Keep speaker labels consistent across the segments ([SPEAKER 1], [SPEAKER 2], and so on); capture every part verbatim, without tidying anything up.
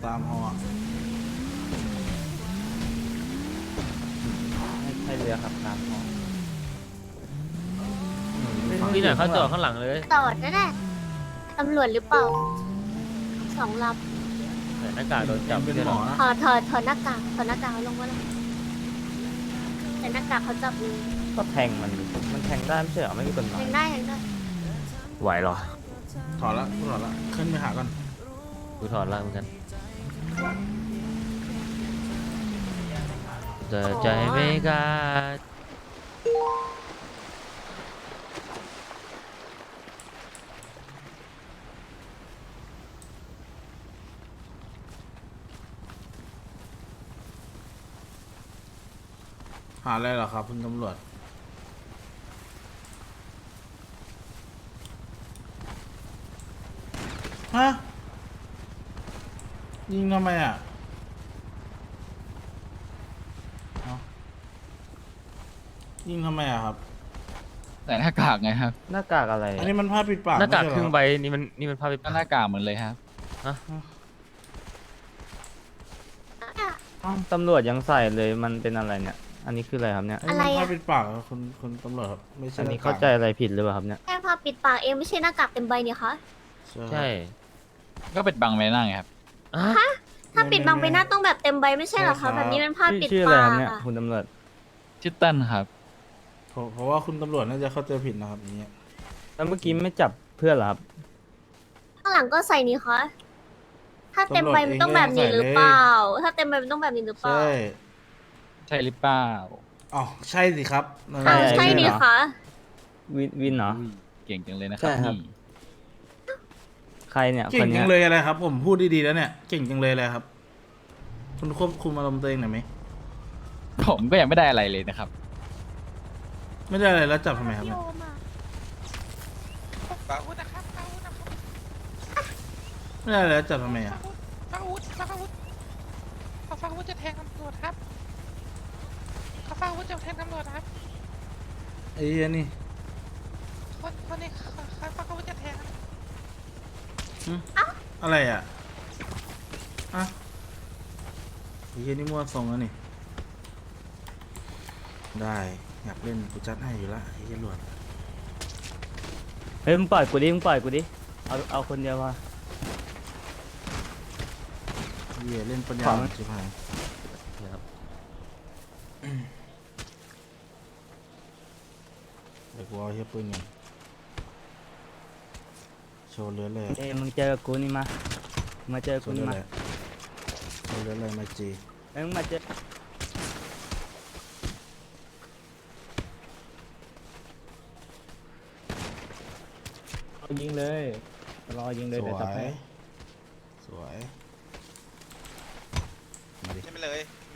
[SPEAKER 1] ตามหอ
[SPEAKER 2] ไม่ใช่เรือขับตามหอ
[SPEAKER 3] พี่หน่อยเขาจอดข้างหลังเลย
[SPEAKER 4] จอดนั่นแหละตำรวจหรือเปล่าสองล
[SPEAKER 3] ใส่หน้ากากโดนจับ
[SPEAKER 1] เป็น
[SPEAKER 3] ใช่
[SPEAKER 1] ห
[SPEAKER 3] ห
[SPEAKER 1] ม
[SPEAKER 3] ร
[SPEAKER 1] อ
[SPEAKER 3] อ
[SPEAKER 1] นะ
[SPEAKER 4] ำถอดถอดถอดหน้ากากถอดหน้ากากลงมาเลยแต่หน้ากากเขาจับเลย
[SPEAKER 2] ก็แทงมันดิมันแทงได้ไม่ใช่เหรอไม่มีกฎหมาย
[SPEAKER 4] ยังได้ยังได้
[SPEAKER 3] ไหวเหรอ
[SPEAKER 1] ถอดละกูถอดละขึ้นไปหาก่อน
[SPEAKER 3] กูถอดล่างเหมือนกันแต่ใจไม่กล้า
[SPEAKER 1] หาอะไรเหรอครับคุณตำรวจฮะยิงทำไมอ่ะเอ้ายิงทำไมอ่ะครับ
[SPEAKER 5] ใส่หน้ากากไงครับ
[SPEAKER 2] หน้ากากอะไร
[SPEAKER 1] อันนี้มันผ้าปิดปาก
[SPEAKER 3] หน้ากาก
[SPEAKER 1] ไม่
[SPEAKER 3] ค
[SPEAKER 1] ใช่
[SPEAKER 3] รึ่ง
[SPEAKER 1] เหรอ
[SPEAKER 3] ใบนี่มันนี่มันภาพไป
[SPEAKER 5] ก็หน้ากากเหมือนเลยครับ
[SPEAKER 2] อ้าวตำรวจยังใส่เลยมันเป็นอะไรเนี่ย อันนี้คืออะไรครับเนี่ย
[SPEAKER 1] อันนี้มันผ้าปิดปากเหรอคุณคุณตำรวจครับไม่ใช่
[SPEAKER 2] อันนี้
[SPEAKER 1] หกก
[SPEAKER 2] เข้าใจอะไรผิดหรือเปล่าครับเนี่ย
[SPEAKER 4] แค่ผ้าปิดปากเองไม่ใช่หน้ากากเต็มใบเนี่ยคะ
[SPEAKER 3] ใช่
[SPEAKER 5] ก็เป็นบังใบหน้าไงครับ
[SPEAKER 3] อ่ะ
[SPEAKER 4] ถ้าปิดบังใบหน้าต้องแบบเต็มใบไม่ใช่เหรอคะแบบนี้มันผ้า
[SPEAKER 2] ชื่อ
[SPEAKER 4] ปิด
[SPEAKER 2] ชื่ออะไร
[SPEAKER 4] ปา
[SPEAKER 2] ครับ
[SPEAKER 4] ก
[SPEAKER 2] เนี่ย
[SPEAKER 4] อะ
[SPEAKER 2] คุณตำรวจ
[SPEAKER 5] ชื่อเต้นครับ
[SPEAKER 1] เพราะเพราะว่าคุณตำรวจน่าจะเข้าใจผิดนะครับอย่างเงี้ย
[SPEAKER 2] แล้วเมื่อกี้ไม่จับเพื่อนเหรอครับ
[SPEAKER 4] ข้างหลังก็ใส่นี่คะถ้าเต็มใบมันต้องแบบนี้หรือเปล่า ถ้าเต็มใบมันต้องแบบนี้หรือเปล่า
[SPEAKER 1] ใช่
[SPEAKER 5] ใช่หรือเปล่า
[SPEAKER 1] อ๋อใช่สิครับนั่นแห
[SPEAKER 4] อ้า
[SPEAKER 1] ละ
[SPEAKER 4] วใช่นี่คะ
[SPEAKER 2] วินวินเหรอ
[SPEAKER 5] อุ้ยเก่งจังเลยนะครับ
[SPEAKER 2] ใช่ครับ
[SPEAKER 5] นี่
[SPEAKER 2] ใครเนี่ย
[SPEAKER 1] เก่
[SPEAKER 2] ค
[SPEAKER 1] ง
[SPEAKER 2] น
[SPEAKER 1] จั
[SPEAKER 2] เนี้ย
[SPEAKER 1] งเลยอะไรครับ ผมพูดดีๆแล้วเนี่ยเก่งจังเลยอะไรครับ คุณควบคุมอารมณ์ตัวเองหน่อยไหม
[SPEAKER 5] ผมก็ยังไม่ได้อะไรเลยนะครับ
[SPEAKER 1] ไม่ได้อะไรแล้วจับทำไมครับเนี่ย
[SPEAKER 6] ฟังอาวุธนะครับฟังอาวุธนะครับ
[SPEAKER 1] ไม่ได้อะไรแล้วจับทำไมอ่ะ
[SPEAKER 6] ฟังอาวุธฟังอาวุธเขาฟังอาวุธจะแทงตำรวจครับเขาฟังอาวุธจะแทงตำรวจครับ
[SPEAKER 1] ไอ้เหี้ยนี่
[SPEAKER 6] คนคนนี้เขาเขาฟังอาวุธจะแทงครับ
[SPEAKER 1] หึอะไรอ่ะอะไอ้เหี้ยนี่มั่วทรงแล้วนี่ได้อยากเล่นกูจัดให้อยู่ละไอ้เหี้ยหลวด
[SPEAKER 2] เฮ้ยมึงปล่อยกูดิมึงปล่อยกูดิ เอาเอาคนเดียวพอ
[SPEAKER 1] เหี้ยเล่นปัญญา
[SPEAKER 2] ขอ
[SPEAKER 1] อ่อนชิบหาย
[SPEAKER 3] นะครับ
[SPEAKER 1] เดี๋ยวกูเอาเหี้ยปืนไงโชว์เลือดเลย
[SPEAKER 2] เอ้ยมึงเจอกูนี่มา มาเจอ
[SPEAKER 1] โช
[SPEAKER 2] กู
[SPEAKER 1] ว์เลื
[SPEAKER 2] นี่
[SPEAKER 1] อด
[SPEAKER 2] มา
[SPEAKER 1] เลยโชว์เลือดเลยมาจี
[SPEAKER 2] เอ้ยมึงมาเจอเอายิงเลย รอยิงเลย
[SPEAKER 1] ส
[SPEAKER 2] เดี๋ยว
[SPEAKER 1] ว
[SPEAKER 2] จับให้
[SPEAKER 1] ยสวยมาดิ
[SPEAKER 6] ใช่ไหมเลยมี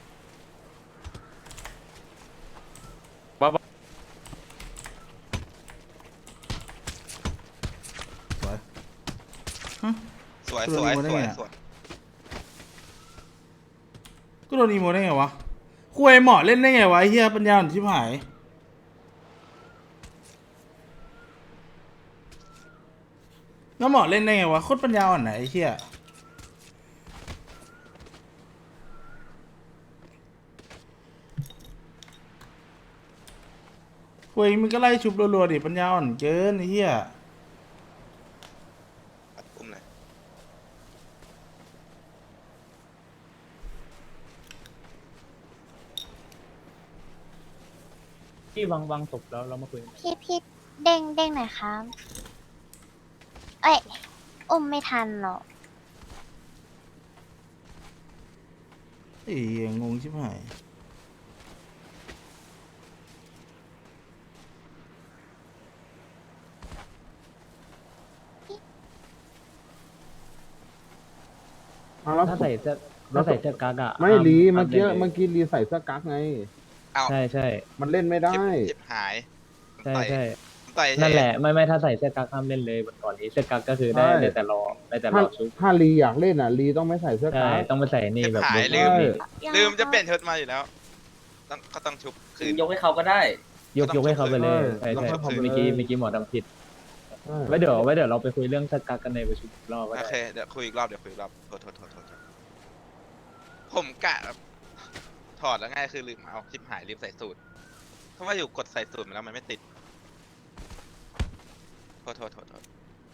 [SPEAKER 1] สวย
[SPEAKER 6] สวย
[SPEAKER 1] ตัว
[SPEAKER 6] สวย
[SPEAKER 1] นี้มันได้
[SPEAKER 6] สวย
[SPEAKER 1] ไงอะ
[SPEAKER 6] สวย
[SPEAKER 1] ก็โดนอีโมได้ไงวะคุยเหมาะเล่นได้ไงวะไอ้เฮียปัญญาอ่อนชิบหายแล้วเหมาะเล่นได้ไงวะโคตรปัญญาอ่อนไหนะไอ้เฮียคุยมึงก็ไล่ชุบรัวๆดิปัญญาอ่อนเกินไอ้เฮีย
[SPEAKER 6] อุ้มเลย
[SPEAKER 2] ที่วางวางศพแล้วเรามาคุย
[SPEAKER 4] พี่พี่เด้งเด้งหน่อยครับ เอ้ยอุ้มไม่ทันหรอก
[SPEAKER 1] ไอ้เหี้ยงงชิบหาย
[SPEAKER 7] แล้ว
[SPEAKER 2] ถ้าใส่เสื้อถ้าใส่เสื้อกั๊กอะ
[SPEAKER 7] ไม่ลี
[SPEAKER 2] ห้า
[SPEAKER 7] เมื่อกี้
[SPEAKER 2] ห้าล่นลย
[SPEAKER 7] เมื่อกี้ลีใส่เสื้อกั๊กไง
[SPEAKER 6] เอา
[SPEAKER 2] ใช่ใช่
[SPEAKER 7] มันเล่นไม่ได้
[SPEAKER 6] เจ็บเจ็บหาย
[SPEAKER 2] ใช่
[SPEAKER 6] ต่อย
[SPEAKER 2] ใช่
[SPEAKER 6] ต่อย
[SPEAKER 2] นั่นแหละ ไม่ไม่ถ้าใส่เสื้อกั๊กห้ามเล่นเลยวันก่อนนี้เสื้อกั๊กก็คือได้
[SPEAKER 7] ใช่
[SPEAKER 2] ได้แต่รอได้แต่ร
[SPEAKER 7] ถ้า
[SPEAKER 2] อชุบ
[SPEAKER 7] ถ้าลีอยากเล่นอ่ะลีต้องไม่ใส่เสื้อ
[SPEAKER 2] ใช่
[SPEAKER 7] กั๊ก
[SPEAKER 2] ต้องไปใส่นี่
[SPEAKER 6] เจ็บ
[SPEAKER 2] แบบ
[SPEAKER 6] หาย
[SPEAKER 2] เล็
[SPEAKER 6] ลื
[SPEAKER 2] ก
[SPEAKER 6] ม
[SPEAKER 7] ใช่
[SPEAKER 6] ลืมจะเปลี่ยนชุดมาอยู่แล้ว ต้องก็ต้องชุบคืน
[SPEAKER 8] ยกให้เขาก็ได้
[SPEAKER 2] ยกยกให้เขาไปเลยใช่
[SPEAKER 6] ต้อง
[SPEAKER 2] ใช่
[SPEAKER 6] ชุบคืน
[SPEAKER 2] เมื่อกี้เมื่อกี้หมอดำผิด
[SPEAKER 7] ใช่
[SPEAKER 2] ไว้เดี๋ยวไว้เดี๋ยวเราไปคุยเรื่องเสื้อกั๊กกันในประชุมอีกรอบก็
[SPEAKER 6] โอ
[SPEAKER 2] ได้
[SPEAKER 6] เคเดี๋ยวคุยอีกรอบเดี๋ยวคุยอีกรอบโทษโทษโทษโทษ
[SPEAKER 8] ผมกะแบบถอดแล้วง่ายคือลืมเอาชิปหายลืมใส่สูตรเพราะว่าอยู่กดใส่สูตรมาแล้วมันไม่ติดโทษโทษโทษโทษ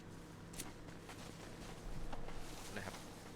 [SPEAKER 8] นะครับ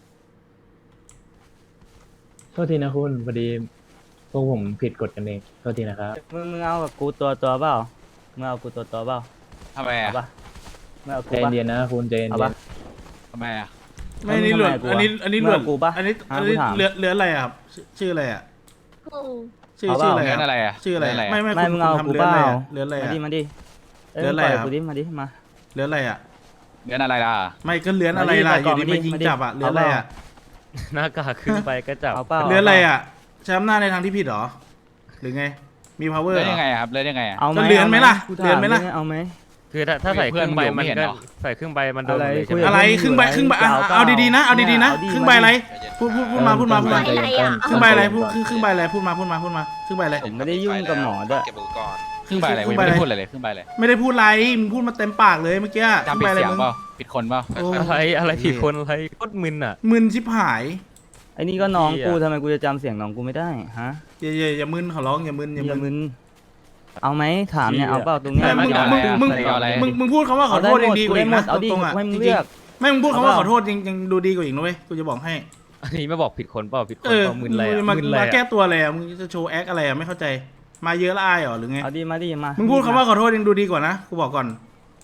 [SPEAKER 9] โทษทีนะคุณพอดีพวกผมผิดกฎกันเองโทษทีนะครับ
[SPEAKER 2] มึงมึงเอากับกูตัวตัวเปล่ามึงเอากูตัวตัวเปล่า
[SPEAKER 5] ทำไม
[SPEAKER 2] เอา
[SPEAKER 5] อ่ะ
[SPEAKER 2] ปะมึงเอากู
[SPEAKER 9] ใจ
[SPEAKER 2] ปะ
[SPEAKER 9] เย็นๆนะคุณใจเย็น
[SPEAKER 2] เอา
[SPEAKER 9] ๆ
[SPEAKER 2] ปะ
[SPEAKER 5] ทำไมอ่ะ
[SPEAKER 1] ไม่อันนี้หลวด
[SPEAKER 2] ทำไมกูอะ
[SPEAKER 1] อันนี้อันนี้หลวด
[SPEAKER 2] เมื่อกูปะ
[SPEAKER 1] อันนี้
[SPEAKER 2] หา
[SPEAKER 1] อันนี้
[SPEAKER 2] กูถาม
[SPEAKER 1] เรือเรืออะไรอะครับชื่อชื่ออะไรอะ
[SPEAKER 4] อืม
[SPEAKER 1] ชื่อ
[SPEAKER 2] เอาเป
[SPEAKER 1] ชื่อ
[SPEAKER 2] ล่า
[SPEAKER 1] อะไร
[SPEAKER 5] เงิน
[SPEAKER 1] อะ
[SPEAKER 5] อะไรอ่ะ
[SPEAKER 1] ชื่ออะไร
[SPEAKER 5] เงิน
[SPEAKER 1] อะ
[SPEAKER 5] อะ
[SPEAKER 1] ไม่ไม่
[SPEAKER 2] ไม่
[SPEAKER 1] คุณ
[SPEAKER 2] มึงเอา
[SPEAKER 1] คุณ
[SPEAKER 2] กู
[SPEAKER 1] ทำ
[SPEAKER 2] เป
[SPEAKER 1] เรืออะไร
[SPEAKER 2] ล่า
[SPEAKER 1] อะเรืออะไร
[SPEAKER 2] มา
[SPEAKER 1] อะ
[SPEAKER 2] ดิมาดิเอ้ย
[SPEAKER 1] เรืออะไร
[SPEAKER 2] ปล่ย
[SPEAKER 1] ครับ
[SPEAKER 2] กูดิมาดิมา
[SPEAKER 1] เรืออะไรอะ
[SPEAKER 5] เงินอะไรล่ะ
[SPEAKER 1] ไม่ก็เรือนอะไรล่ะ
[SPEAKER 2] มา
[SPEAKER 1] อ
[SPEAKER 2] ดิ
[SPEAKER 1] ยู่ดี
[SPEAKER 2] มา
[SPEAKER 1] มา
[SPEAKER 2] ดิ
[SPEAKER 1] ยิง
[SPEAKER 2] มาดิ
[SPEAKER 1] จับอะเรืออะไรอะ
[SPEAKER 3] หน้ากากขึ้นไปก็จับ
[SPEAKER 2] เอาเปล่า
[SPEAKER 1] เรืออะไรอะใช้อำนาจในทางที่ผิดเหรอหรือไงมี power
[SPEAKER 5] เล่น
[SPEAKER 1] เหร
[SPEAKER 5] ยั
[SPEAKER 1] อง
[SPEAKER 5] ไงอะครับเล่นยังไงอ่ะ
[SPEAKER 2] เอาไหม
[SPEAKER 1] ก็เลือนไหมล่ะ
[SPEAKER 2] กูถา
[SPEAKER 1] เลือนไหมล่ะ
[SPEAKER 2] เอาไหม
[SPEAKER 3] คือถ้าถ้าใส่ครึ่งใบมัน
[SPEAKER 5] เพื่อนอยู่ไม่เห็น
[SPEAKER 3] ก็
[SPEAKER 5] เหรอ
[SPEAKER 3] ใส่ครึ่งใบมันโดนหม
[SPEAKER 2] อะไร
[SPEAKER 3] ดเลย
[SPEAKER 2] คุ
[SPEAKER 3] ใช่
[SPEAKER 2] ย
[SPEAKER 3] ไหม
[SPEAKER 2] กับ
[SPEAKER 1] อะไรครึ่งใบครึ่งใบอ่ะ
[SPEAKER 2] เอาเปล่า
[SPEAKER 1] เอาดีๆนะเอาดีๆนะ
[SPEAKER 2] เอาดิ
[SPEAKER 1] ครึ่งใบอะไร
[SPEAKER 8] ใจเย็น
[SPEAKER 1] พูดพูดพูดมาพูดมาพูดมา
[SPEAKER 4] ใบอะไรอ่ะ
[SPEAKER 1] ครึ่งใบอะไรพูดครึ่งครึ่งใบอะไรพูดมาพูดมาพูดมาครึ่งใบอะไร
[SPEAKER 2] ผมไม่ได้ยุ่งกับหมอด้วย
[SPEAKER 8] เก็บอุปกรณ์
[SPEAKER 5] ครึ่งใบอะไร
[SPEAKER 1] ครึ่
[SPEAKER 5] กู
[SPEAKER 1] ง
[SPEAKER 5] ยัง
[SPEAKER 1] ใบ
[SPEAKER 5] ไม่
[SPEAKER 1] อะไร
[SPEAKER 5] ได้พูดอะไรเลยครึ่งใบอะไร
[SPEAKER 1] ไม่ได้พูดอะไรมึงพูดมาเต็มปากเลยเมื่อกี้ครึ่
[SPEAKER 5] จำ
[SPEAKER 1] ง
[SPEAKER 5] ผิ
[SPEAKER 1] ใบ
[SPEAKER 5] ด
[SPEAKER 1] อะไร
[SPEAKER 5] เสียง
[SPEAKER 1] มึง
[SPEAKER 5] เปล่าผิดคนเปล่า
[SPEAKER 1] โอ้
[SPEAKER 3] อะไรอะไรผิดคนอะไรโคตรมึนอ่ะ
[SPEAKER 1] มึนชิบหาย
[SPEAKER 2] ไอ้นี่ก็น้อง
[SPEAKER 3] เหี้ย
[SPEAKER 2] กูทำไมกูจะจำเสียงน้องกูไม่ได้ฮะ
[SPEAKER 1] อย่าอย่าอย่ามึนขอร้องอย่ามึนอย่า
[SPEAKER 2] อย่า
[SPEAKER 1] มึ
[SPEAKER 2] มึ
[SPEAKER 1] น
[SPEAKER 2] นเอาไหมถามเนี่ย
[SPEAKER 9] เหี้ย
[SPEAKER 2] เอาเปล่าตรงเนี้ย
[SPEAKER 1] ไม่มึง
[SPEAKER 5] เอา
[SPEAKER 1] มึง
[SPEAKER 5] อะไรอะ
[SPEAKER 1] มึง
[SPEAKER 5] เอาอะไร
[SPEAKER 1] มึงมึงพูดคำว่าขอโทษยังดีกว่าอีกนะ
[SPEAKER 2] เอาดิ
[SPEAKER 1] ตรงๆอ่ะ
[SPEAKER 2] ให้มึ
[SPEAKER 1] จ
[SPEAKER 2] ง
[SPEAKER 1] ริ
[SPEAKER 2] เลื
[SPEAKER 1] ง
[SPEAKER 2] อก
[SPEAKER 1] ๆไม่มึงพูดคำว่า
[SPEAKER 2] เอาเปล่า
[SPEAKER 1] ขอโทษยังยังดูดีกว่าอีกนะเว้ยกูจะบอกให้
[SPEAKER 3] อันนี้ไม่บอกผิดคนเปล่าผิดค
[SPEAKER 1] เอน อ
[SPEAKER 3] เปล่ามึนอะไร
[SPEAKER 1] มึ
[SPEAKER 3] อ่ะ
[SPEAKER 1] งมา
[SPEAKER 3] มึนอะไร
[SPEAKER 1] มาแก้
[SPEAKER 3] อ่ะ
[SPEAKER 1] ตัวอะไรอ่ะมึงจะโชว์แอคอะไรอ่ะไม่เข้าใจมาเยอะละอายเหรอหรือไง
[SPEAKER 2] เอาดิมาดิมา
[SPEAKER 1] มึ
[SPEAKER 2] มึ
[SPEAKER 1] งพูดคำว่าขอโทษยังดูดีกว่านะกูบอกก่อน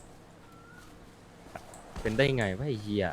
[SPEAKER 3] เป็นได้ไงวะไอ้เหี้ย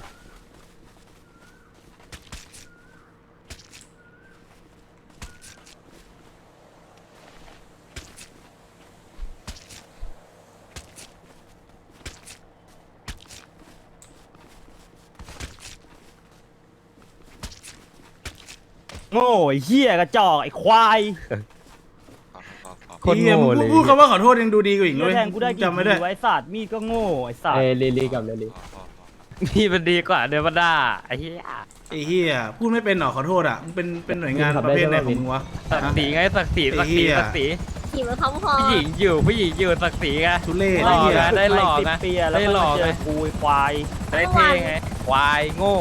[SPEAKER 2] โง่ไอ้เหี้ยกระจอกไอ้ควาย
[SPEAKER 8] พอพอพอ
[SPEAKER 3] โคน
[SPEAKER 1] เหี้ย
[SPEAKER 3] โง่
[SPEAKER 1] มึง
[SPEAKER 3] เลย
[SPEAKER 1] พูดคำว่าขอโทษยังดูดีกว่าอีกนะ
[SPEAKER 2] จะ
[SPEAKER 1] เว้ย
[SPEAKER 2] แทงกูได้กี่
[SPEAKER 1] จำไม่
[SPEAKER 2] ที
[SPEAKER 1] ได้
[SPEAKER 2] ไว้สัตว์มีดก็โง่ไอ้สัต
[SPEAKER 9] เอ้
[SPEAKER 2] ว์
[SPEAKER 9] ยลีลีกับเลลี
[SPEAKER 8] พอพอพอ
[SPEAKER 3] นี่มันดีกว่าเดวด้าไอ้เหี้ย
[SPEAKER 1] ไอ้เหี้ยพูดไม่เป็นหรอขอโทษอ่ะมึงเป็นเป็นหน่วยงานประเภทไหนของมึงวะ
[SPEAKER 3] ศักดิ์ศรีไงศักดิ์ศรีศักดิ์ศรี
[SPEAKER 1] ไอ้เหี้ย
[SPEAKER 3] ศักดิ์ศรี
[SPEAKER 4] ขี่มาพร้อมคอ
[SPEAKER 3] ผู้หญิงอยู่ผู้หญิงอยู่ศักดิ์ศรีไง
[SPEAKER 1] ทุเรศ
[SPEAKER 3] หล่
[SPEAKER 1] ไอ้
[SPEAKER 3] อ
[SPEAKER 1] เหี้ย
[SPEAKER 3] ไง ได้หลอก
[SPEAKER 2] สิบ
[SPEAKER 3] นะ
[SPEAKER 2] ปีอะแล้ว
[SPEAKER 3] ได้
[SPEAKER 2] ก็
[SPEAKER 3] หล
[SPEAKER 2] มา
[SPEAKER 3] อก
[SPEAKER 2] เจอ
[SPEAKER 3] นะ
[SPEAKER 2] กูไอ้ควาย
[SPEAKER 3] ได้เท่ไงควายโง่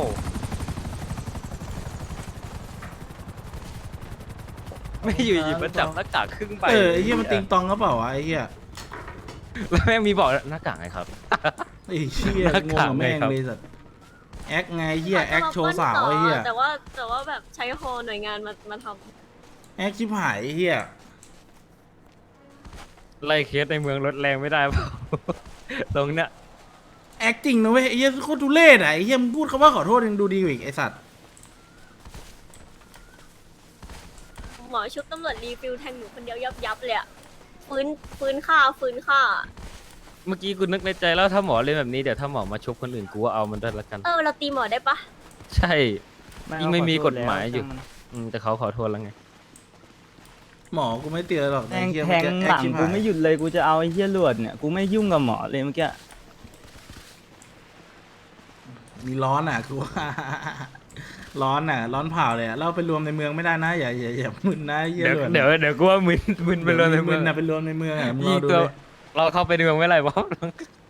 [SPEAKER 3] ไม่อยู่หยิบมาจับหน้ากากครึ่งใบ
[SPEAKER 1] เออไอ้เหี้ยมันติงตองก็เปล่าวะไอ้เหี้ย
[SPEAKER 3] แล้วแม่งมีบอกหน้ากากไงครับ
[SPEAKER 1] ไอ้เหี้ย
[SPEAKER 3] หน้าง
[SPEAKER 1] ง
[SPEAKER 3] กาก
[SPEAKER 1] กับแม่ง
[SPEAKER 3] ไงครับ
[SPEAKER 1] เลยสัตว์แอคไงเหี้ยแอคโชว์สาวไอ้เหี้ย
[SPEAKER 4] แต่ว่าแต่ว่าแบบใช้ฮอหน่วยงานมามาท
[SPEAKER 1] แอคชิบหายไอ้เหี้ย
[SPEAKER 3] ไล่เคสในเมืองรถแรงไม่ได้เปล่า ตรงเนี้ย
[SPEAKER 1] แอคจริงนะเว้ยไอ้เหี้ยโคตรทุเรศอ่ะไอ้เหี้ยมึงพูดคำว่าขอโทษยังดูดีกว่าอีกไอ้สัตว์
[SPEAKER 4] ำหมอชุบตำรวจรีฟิลแทงหนูคนเดียวยับยับเลยอะฟื้นฟื้นค่าฟื้นค่า
[SPEAKER 3] เมื่อกี้กูนึกในใจแล้วถ้าหมอเล่นแบบนี้เดี๋ยวถ้าหมอมาชกคนอื่นกูว่าเอามันด้วยละกัน
[SPEAKER 4] เออเราตีหมอได้ปะ
[SPEAKER 3] ใช่
[SPEAKER 2] เอา
[SPEAKER 3] ยิ่งไม่มี
[SPEAKER 2] ขอโทษ
[SPEAKER 3] กฎหมายอยู่
[SPEAKER 2] แล้ว
[SPEAKER 3] อืมแต่เขาขอโทษแล้วไง
[SPEAKER 1] หมอกูไม่เตือนหรอก
[SPEAKER 2] แท
[SPEAKER 1] ไอ้
[SPEAKER 2] ง
[SPEAKER 1] เหี้ย
[SPEAKER 2] แทง
[SPEAKER 1] มันจะ
[SPEAKER 2] หลัง
[SPEAKER 1] แอคชิบ
[SPEAKER 2] กู
[SPEAKER 1] หาย
[SPEAKER 2] ไม่หยุดเลยกูจะเอาไอ้เหี้ยหลวดเนี่ยกูไม่ยุ่งกับหมอเลยเมื่อกี้
[SPEAKER 1] มีร้อนอ่ะกูว่า ร้อนอ่ะ ร้อนเผาเลยอ่ะเราไปรวมในเมืองไม่ได้นะอย่าอย่าอย่ามึนนะไอ้เหี้ย
[SPEAKER 3] เดี๋ยว
[SPEAKER 1] หลวด
[SPEAKER 3] เดี๋ยวเดี๋ยวกูว่ามึนมึนไปเลยในเมื
[SPEAKER 1] มึ
[SPEAKER 3] อง
[SPEAKER 1] นนะไปรวมในเมืองอ่ะมึงร
[SPEAKER 3] ยิ
[SPEAKER 1] อง ดู
[SPEAKER 3] ตัว
[SPEAKER 1] เลย
[SPEAKER 3] เราเข้าไปในเมืองไม่ไรวะ